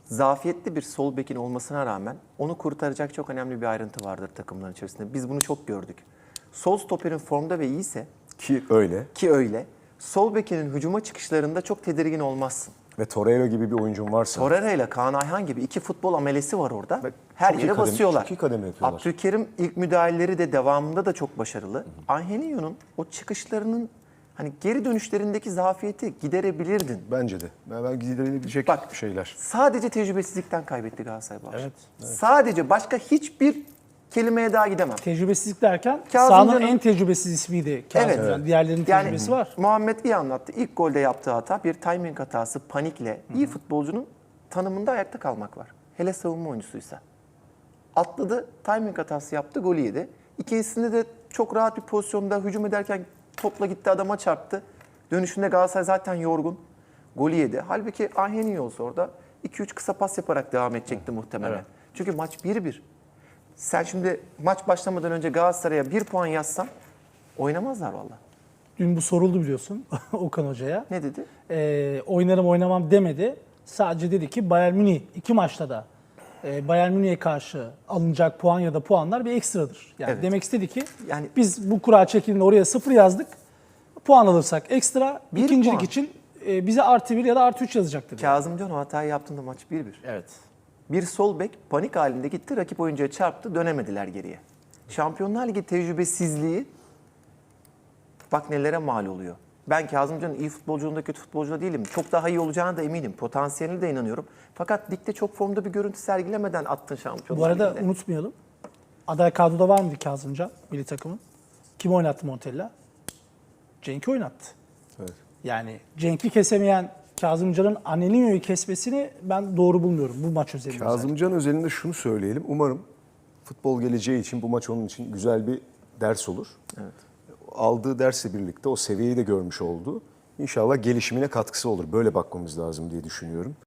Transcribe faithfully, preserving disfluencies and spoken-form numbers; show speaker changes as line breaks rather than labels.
zafiyetli bir sol bekin olmasına rağmen onu kurtaracak çok önemli bir ayrıntı vardır takımların içerisinde. Biz bunu çok gördük. Sol stoperin formda ve iyiyse
Ki öyle.
ki öyle, sol bekinin hücuma çıkışlarında çok tedirgin olmazsın.
Ve Torreira gibi bir oyuncun varsa.
Torreira ile Kaan Ayhan gibi iki futbol amelesi var orada.
Ve
Her
çok iyi
yere
kademe-
basıyorlar.
çok iyi kademe yapıyorlar.
Abdülkerim ilk müdahaleleri de devamında da çok başarılı. Angelinho'nun o çıkışlarının hani geri dönüşlerindeki zafiyeti giderebilirdin.
Bence de. Ben, ben giderebilecek
Bak,
şeyler.
Sadece tecrübesizlikten kaybetti Galatasaray bu akşam.
Evet,
Sadece başka hiçbir kelimeye daha gidemem.
Tecrübesizlik derken
Kazımcan'ın-
sahanın en tecrübesiz ismiydi Kazımcan.
Evet.
Diğerlerinin
Yani
tecrübesi var.
Muhammed iyi anlattı. İlk golde yaptığı hata bir timing hatası, panikle. İyi futbolcunun tanımında ayakta kalmak var. Hele savunma oyuncusuysa. Atladı, timing hatası yaptı, golü yedi. İkincisinde de çok rahat bir pozisyonda hücum ederken topla gitti, adama çarptı. Dönüşünde Galatasaray zaten yorgun. Golü yedi. Halbuki Angelinho olsa orada iki üç kısa pas yaparak devam edecekti muhtemelen.
Evet.
Çünkü maç bir bir. Sen şimdi maç başlamadan önce Galatasaray'a bir puan yazsan oynamazlar valla.
Dün bu soruldu biliyorsun Okan Hoca'ya.
Ne dedi?
Ee, oynarım oynamam demedi. Sadece dedi ki Bayern Münih iki maçta da e, Bayern Münih'e karşı alınacak puan ya da puanlar bir ekstradır. Yani
Evet.
demek istedi ki
Yani-
biz bu kura çekildiğinde oraya sıfır yazdık. Puan alırsak ekstra,
Bir
ikincilik
puan.
için e, bize artı bir ya da artı üç yazacaktır.
Kazımcan o hatayı yaptığında maç bir bir.
Evet.
Bir sol bek panik halinde gitti, rakip oyuncuya çarptı, dönemediler geriye. Şampiyonlar Ligi tecrübesizliği bak nelere mal oluyor. Ben Kazımcan'ın iyi futbolculuğunda kötü futbolcu değilim. Çok daha iyi olacağına da eminim. Potansiyeline de inanıyorum. Fakat ligde çok formda bir görüntü sergilemeden attın Şampiyonlar
Bu arada
Ligi'nde.
unutmayalım. Aday kadroda var mıydı Kazımcan milli takımın? Kim oynattı Montella? Cenk'i oynattı.
Evet.
Yani Cenk'i kesemeyen Kazımcan'ın Angelinho'yu kesmesini ben doğru bulmuyorum bu maç özelinde.
Kazımcan özelinde şunu söyleyelim. Umarım futbol geleceği için bu maç onun için güzel bir ders olur.
Evet.
Aldığı dersle birlikte o seviyeyi de görmüş oldu. İnşallah gelişimine katkısı olur. Böyle bakmamız lazım diye düşünüyorum.